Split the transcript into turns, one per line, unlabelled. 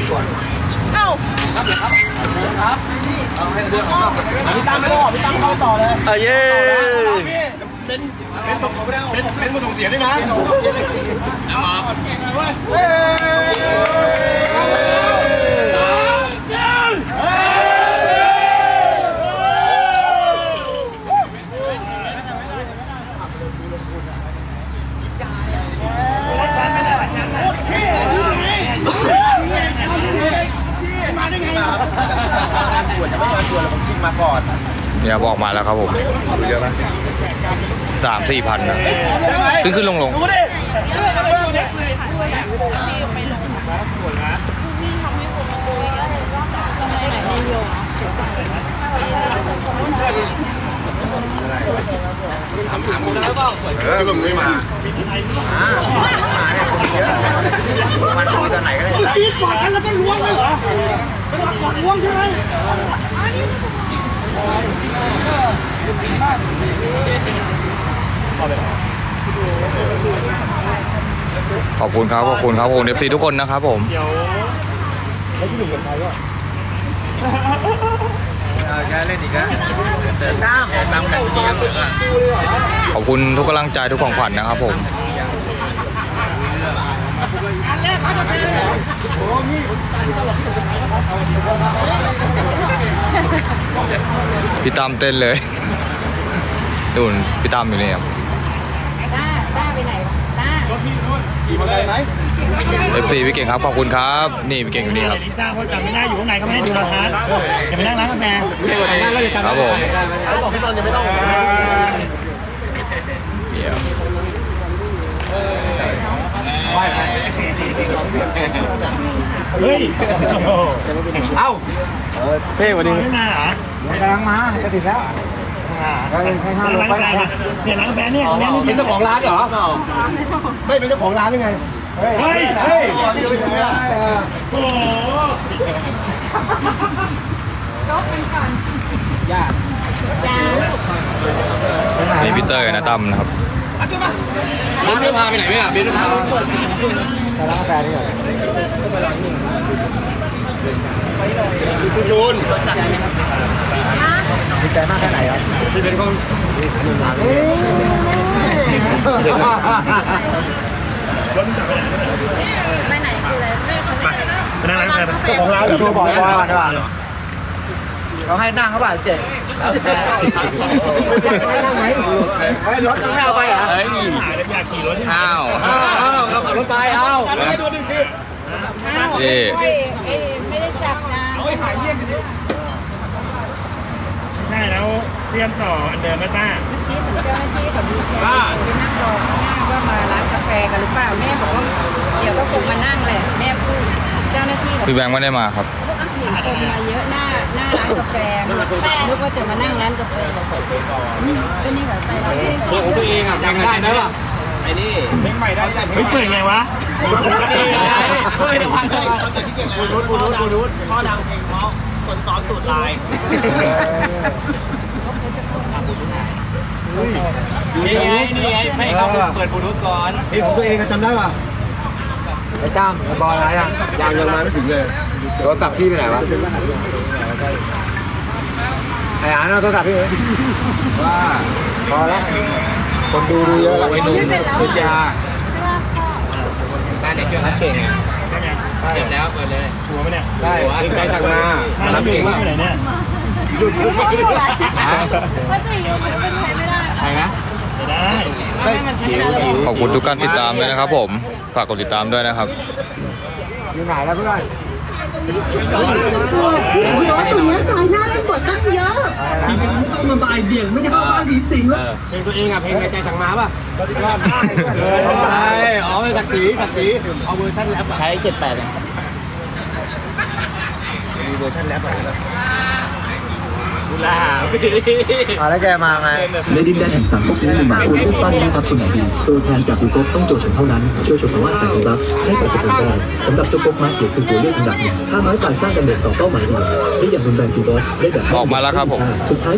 เอ้าครับเอาให้เรื่องของเราพี่ตั้มเข้าต่อเลย
เย้
เป็นผู้ส่งเสียด้วยนะ
เนี่ยบอกมาแล้วครับผมเยอะไหม3-4 พันนะขึ้นลง
คือมึงไม่มามันมีตอนไหนก็ได้ตีกอดกันแล้วก็ล้วงเลยเหรอเป็นหลักกอดล้วงใช่ไหม
ขอบคุณครับขอบคุณFC ทุกคนนะครับผม
เดี๋ยวแล้วที่หนึ่งเป็นใครวะแกเล่นอีกแล้วเดินน้ำแบบนี้
ขอบคุณทุกกำลังใจทุกของขวัญนะครับผมพี่ตั้มเต้นเลยดูพี่ตั้มอยู่นี่ครับ
ต้าไปไหนต้า
ขี่มาได้ไหม
FC พี่เก่งครับขอบคุณครับนี่พี่เก่งอยู่นี่ครับ
ลิซ่าเขาจำไม่ได้อยู่ข้างในเขาไม่ให้ดูราคาอย่าไปนั่งร้านกาแฟ
ครับผม
บอกพี่ตอนจะไม่ต้อง
เฮ้ย
เอ้า
เพ่วันนี้ไม่มาเหรอก
ำลังมาจะติดแล้ว
ร้านกาแฟเนี่ยร้านกาแฟเนี่ย
เป็นเจ้าของร้านเหรอไม่เป็นเจ้าของร้านยังไงเฮ้ย
โอ้โห
จบกันก่อน
นี่พี่เตอร์นะตั้มนะครับ
เบนจะพาไปไหนไหมอ่ะเบนจะพาไปร้านกาแฟนี่เหรอคุณยูนดีใจมากแค่ไหนครับพี่เป็นคน
ไปไหนคืออะไร
ไปนั่งร้านกาแฟ
ของร้านหรือตัวบอกว่าได้ป่ะเขาให้นั่งเขาป่ะเจ๊นั่งไหมรถไม่เอาไปเหรอ
อยากขี่รถ
อ้าว
เราขับรถไปเอา
ไม่ได้จับนะ
ใช่แล้วเชื่อมต่ออันเดิมไหมต้า
เมื่อกี้ถึงเจ้าหน้าที่เขาดูแลไปนั่งรอข้างหน้าว่ามาร้านกาแฟกันหรือเปล่าแม่บอกว่าเดี๋ยวก็คงมานั่งแหละแม่พูดเจ้าหน้าที่
พี่แบงค์ไม่ได้มาครับ
เห็นคนมาเยอะหน้าร้านกาแฟนึกว่าจะมานั่งร้านกาแฟก็นี่แบบไปเรา
ของตัวเองอ่ะยังได้ไหมล่ะไอ้นี่เพลงใหม่ได้
เฮ้ยเปิดไงวะ
เฮ้ยเดี๋ยวพังเลยบูรุษพ่อดังเพลงเพราะคนซ้อมตูดลายนี่ไงให้เขาเปิดบูรุษก่อนเพลงของตัวเองจำได้ป่ะไอ้จ้ามไอ้บอลอะไรอ่ะยังมาไม่ถึงเลยโทรศัพท์พี่ไปไหนวะไอ้อ่านเอาโทรศัพท์พี่ว่าพอแล้วคนดูเยอะแล้วไอ้หนุ่มพุทธาการเด็กเก่งไงเก็บแล้วเปิดเลย
ชัวร์ไหมเนี่ย
ได้ใจสั่งมา
รับเก่งมากเลยเนี่ย
ดูชุดไม่ได้ใครนะ
ได้
ขอบคุณทุกการติดตามด้วยนะครับผมฝากกดติดตามด้วยนะครับ
อยู่ไหนแล้วเพื่อน
รถตรงนี้สายหน้าเล่นกดตั้งเยอะ
จริงๆไม่ต้องมาบ่ายเบี่ยงไม่ใช่เข้าบ้านผีสิงแล้วเพลงตัวเองอ่ะเพลงใจสั่งมาป่ะใช่อ๋อเป็นศักดิ์ศรีเอาเวอร์ชันแรปใช้78เนี่ยมีเวอร์ชันแรปอะไรนะแล้วแกมาไง
ในดินแดนแห่งสังคมนี้มีหมาผู้รูปปั้นหน้าทับคนไหนดีตัวแทนจากบุกบต้องโจฉันเท่านั้นช่วยโชว์สามารถใส่บัฟให้กับสกุลได้สำหรับเจ้าปกม้าเสียคือตัวเลือกอันดับหนึ่งถ้าไม้ตายสร้างดาเมจต่อเป้าหมายเดียวที่อย่างรุนแรงคือบอสได้แบบ
ออกมาแล้วครับผม
สุดท้าย